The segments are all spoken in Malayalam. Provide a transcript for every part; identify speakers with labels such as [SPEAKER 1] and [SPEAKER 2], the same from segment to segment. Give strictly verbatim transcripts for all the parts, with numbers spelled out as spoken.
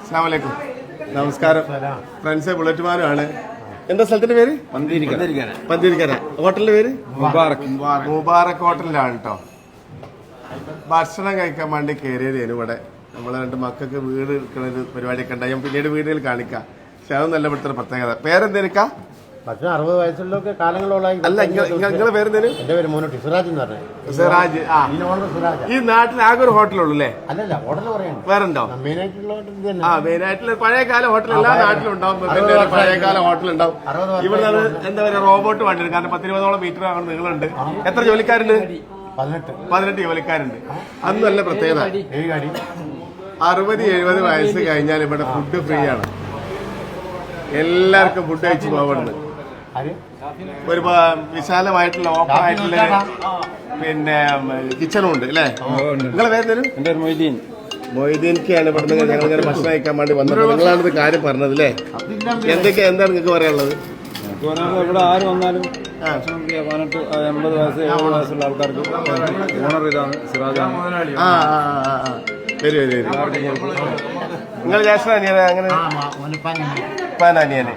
[SPEAKER 1] അസ്സലാമു അലൈക്കും. നമസ്കാരം. ഫ്രണ്ട്സ് ബുള്ളറ്റുമാരാണ്. എന്താ സ്ഥലത്തിന്റെ പേര്? പന്തിരിക്കര. ഹോട്ടലിന്റെ പേര് മുബാറക്. മുബാറക് ഹോട്ടലിലാണ് കേട്ടോ. ഭക്ഷണം കഴിക്കാൻ വേണ്ടി കയറിയതേനു ഇവിടെ. നമ്മളെ രണ്ട് മക്കൾക്ക് വീട് എടുക്കുന്ന ഒരു പരിപാടിയൊക്കെ ഉണ്ടായി. ഞാൻ പിന്നീട് വീടുകളിൽ കാണിക്കാം. പക്ഷെ അത് നല്ല ഇവിടുത്തെ പ്രത്യേകത. പേരെന്തേനിക്കാ?
[SPEAKER 2] പക്ഷേ അറുപത് വയസ്സുള്ളൊക്കെ കാലങ്ങളോളായി.
[SPEAKER 1] അല്ല, നിങ്ങളെ പേരെന്തേനും?
[SPEAKER 2] എന്റെ പേര് മോനോട്ട് സിറാജ് എന്ന് പറഞ്ഞു.
[SPEAKER 1] സിറാജ്. ആ, ഈ നാട്ടിൽ ആകെ ഒരു ഹോട്ടലുള്ളൂ അല്ലേ?
[SPEAKER 2] അല്ലല്ല, ഹോട്ടൽ പറയുന്നത്
[SPEAKER 1] വേറുണ്ടോ?
[SPEAKER 2] മെയിനായിട്ടുള്ള ഹോട്ടൽ.
[SPEAKER 1] ആ, മെയിനായിട്ടുള്ള പഴയകാല ഹോട്ടൽ എല്ലാ നാട്ടിലും ഉണ്ടാവും. പിന്നെ പഴയകാല ഹോട്ടൽ ഉണ്ടാവും. ഇവിടെ എന്താ പറയുക, റോബോട്ട് വണ്ടിയുണ്ട്. കാരണം പത്തിരുപതോളം മീറ്റർ നീളുണ്ട്. എത്ര ജോലിക്കാരുണ്ട്?
[SPEAKER 2] പതിനെട്ട്
[SPEAKER 1] പതിനെട്ട് ജോലിക്കാരുണ്ട്. അന്ന് നല്ല പ്രത്യേകത, അറുപത് എഴുപത് വയസ്സ് കഴിഞ്ഞാൽ ഇവിടെ ഫുഡ് ഫ്രീ ആണ്. എല്ലാവർക്കും ഫുഡ് കഴിച്ച് പോകണം. ഒരു വിശാലമായിട്ടുള്ള ഓപ്പൺ ആയിട്ടുള്ള പിന്നെ കിച്ചണും ഉണ്ട് അല്ലേ? നിങ്ങളെ പേര്?
[SPEAKER 3] എന്റെ മൊയ്തീൻ.
[SPEAKER 1] മൊയ്തീൻക്കാണ് ഇവിടുന്ന് ഞങ്ങൾ ഇങ്ങനെ ഭക്ഷണം കഴിക്കാൻ വേണ്ടി വന്നത്. നിങ്ങളാണിത് കാര്യം പറഞ്ഞത് അല്ലേ? എന്തൊക്കെ എന്താണ് നിങ്ങൾക്ക് പറയാനുള്ളത്?
[SPEAKER 3] ഇവിടെ ആര് വന്നാലും പതിനെട്ട് എൺപത് വയസ്സ് എഴുപത് വയസ്സുള്ള ആൾക്കാർക്ക് ഓണർ ഇതാണ്, സിറാജാണ്.
[SPEAKER 1] ആ വരൂ വരൂ വരൂ. നിങ്ങൾ ജാസ്മിൻ അനിയനെ? അങ്ങനെ അനിയനെ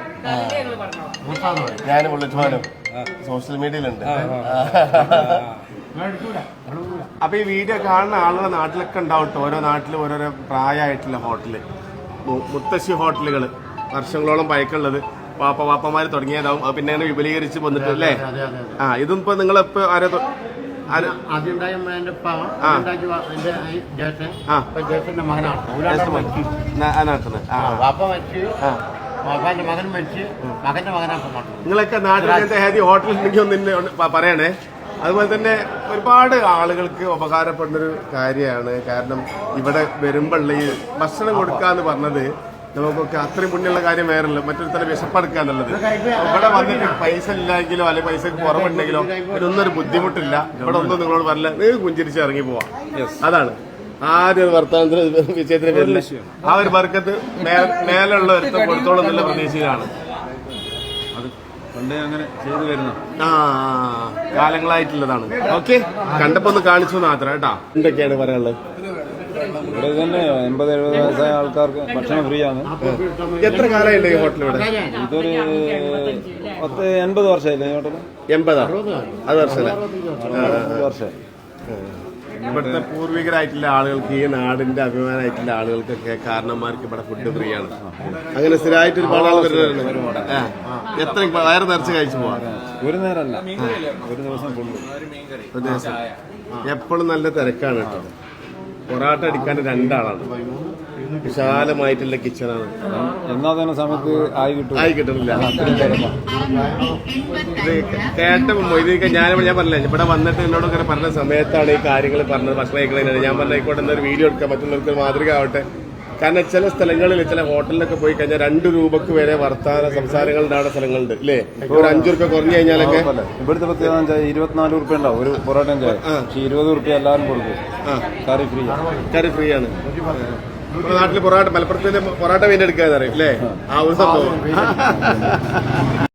[SPEAKER 1] ഞാനും ബുള്ളറ്റുമാനും സോഷ്യൽ മീഡിയയിലുണ്ട്. അപ്പൊ ഈ വീഡിയോ കാണുന്ന ആളുടെ നാട്ടിലൊക്കെ ഉണ്ടാവട്ടെ. ഓരോ നാട്ടിലും ഓരോരോ പ്രായമായിട്ടുള്ള ഹോട്ടല്, മുത്തശ്ശി ഹോട്ടലുകൾ, വർഷങ്ങളോളം പഴക്കമുള്ളത്. വാപ്പ വാപ്പമാര് തുടങ്ങിയതാവും. അത് പിന്നെ അങ്ങനെ വിപുലീകരിച്ച് വന്നിട്ടല്ലേ? ആ, ഇതും ഇപ്പൊ നിങ്ങളിപ്പോ ആരോ നിങ്ങളൊക്കെ നാട്ടിലത്തെ ഹെവി ഹോട്ടലിൽ ഉണ്ടെങ്കിൽ ഒന്ന് പറയണേ. അതുപോലെ തന്നെ ഒരുപാട് ആളുകൾക്ക് ഉപകാരപ്പെടുന്നൊരു കാര്യമാണ്. കാരണം ഇവിടെ വരുമ്പോഴുള്ള ഈ ഭക്ഷണം കൊടുക്കാന്ന് പറഞ്ഞത് നമുക്കൊക്കെ അത്രയും പുണ്യമുള്ള കാര്യം വേറല്ല. മറ്റൊരു തരം വിശപ്പെടുക്കുക എന്നുള്ളത്. ഇവിടെ വന്നിട്ട് പൈസ ഇല്ലെങ്കിലോ അല്ലെങ്കിൽ പൈസ കുറവുണ്ടെങ്കിലോ ഇതൊന്നും ഒരു ബുദ്ധിമുട്ടില്ല. ഇവിടെ ഒന്നും നിങ്ങളോട് പറഞ്ഞില്ല, നിങ്ങൾക്ക് പുഞ്ചിരിച്ച് ഇറങ്ങി പോവാം. അതാണ് ആദ്യ വർത്തമാനത്തിന് വിജയത്തിന് പേരില്ല. ആ ഒരു വർക്കത്ത് മേലുള്ള ഒരുത്തം കൊടുത്തോളം എന്നുള്ള പ്രതീക്ഷയിലാണ്
[SPEAKER 3] പണ്ടേ അങ്ങനെ ചെയ്തു വരുന്നു.
[SPEAKER 1] ആ, കാലങ്ങളായിട്ടുള്ളതാണ്. ഓക്കെ, കണ്ടപ്പോ ഒന്ന് കാണിച്ചു മാത്രം കേട്ടാ. എന്തൊക്കെയാണ് പറയാനുള്ളത്?
[SPEAKER 3] ഇവിടെ തന്നെ എൺപത് എഴുപത് വയസ്സായ ആൾക്കാർക്ക് ഭക്ഷണം ഫ്രീ ആണ്.
[SPEAKER 1] എത്ര കാലമായില്ലേ ഈ ഹോട്ടൽ ഇവിടെ?
[SPEAKER 3] ഇതൊരു പത്ത് എൺപത് വർഷമായില്ലേ ഈ ഹോട്ടൽ?
[SPEAKER 1] എൺപതാ? അത് വർഷമല്ല,
[SPEAKER 3] വർഷമായി.
[SPEAKER 1] ഇവിടുത്തെ പൂർവികരായിട്ടുള്ള ആളുകൾക്ക്, ഈ നാടിന്റെ അഭിമാനമായിട്ടുള്ള ആളുകൾക്കൊക്കെ കാരണന്മാർക്ക് ഇവിടെ ഫുഡ് ഫ്രീ ആണ്. അങ്ങനെ സ്ഥിരമായിട്ട് ഒരുപാട് ആൾ വരുന്നുണ്ട്. എത്ര വയറ് നിറച്ച് കഴിച്ചു പോവാ?
[SPEAKER 3] ഒരു നേരമല്ല, ഒരു ദിവസം ഫുള്ള്.
[SPEAKER 1] ഒരു ദിവസം എപ്പോഴും നല്ല തിരക്കാണ് കേട്ടോ. പൊറാട്ട അടിക്കാൻ രണ്ടാളാണ്. വിശാലമായിട്ടുള്ള കിച്ചണാണ്.
[SPEAKER 3] എന്നാ തന്നെ സമയത്ത് ആയി കിട്ടും
[SPEAKER 1] ആയി കിട്ടണില്ല. ഇത് കേട്ടപ്പോ മൊയ്തീക്ക ഞാനിവിടെ ഞാൻ പറഞ്ഞില്ല, ഇവിടെ വന്നിട്ട് എന്നോട് ഇങ്ങനെ പറഞ്ഞ സമയത്താണ് ഈ കാര്യങ്ങൾ പറഞ്ഞത്. ഭക്ഷണം കഴിക്കണേ ഞാൻ പറഞ്ഞ ആയിക്കോട്ടെ, എന്നൊരു വീഡിയോ എടുക്കാം, മറ്റുള്ളവർക്ക് മാതൃക ആവട്ടെ. കാരണം ചില സ്ഥലങ്ങളിൽ, ചില ഹോട്ടലിലൊക്കെ പോയി കഴിഞ്ഞാൽ രണ്ട് രൂപക്ക് വരെ വർത്താന സംസാരങ്ങൾ ഉണ്ടാവുന്ന സ്ഥലങ്ങളുണ്ട് അല്ലേ? ഒരു അഞ്ചു റുപ്യ കുറഞ്ഞു കഴിഞ്ഞാലൊക്കെ.
[SPEAKER 3] ഇവിടുത്തെ പ്രത്യേകത ഇരുപത്തിനാല് റുപ്യ ഉണ്ടാവും ഒരു പൊറോട്ട ചായ. പക്ഷെ ഇരുപത് റുപ്യ എല്ലാവരും കൊടുക്കും. കറി ഫ്രീ.
[SPEAKER 1] കറി ഫ്രീ ആണ്. നാട്ടില് പൊറോട്ട, മലപ്പുറത്തിന്റെ പൊറോട്ട വീണ്ടെടുക്കാന്ന് അറിയും അല്ലേ? ആ ഒരു സംഭവം.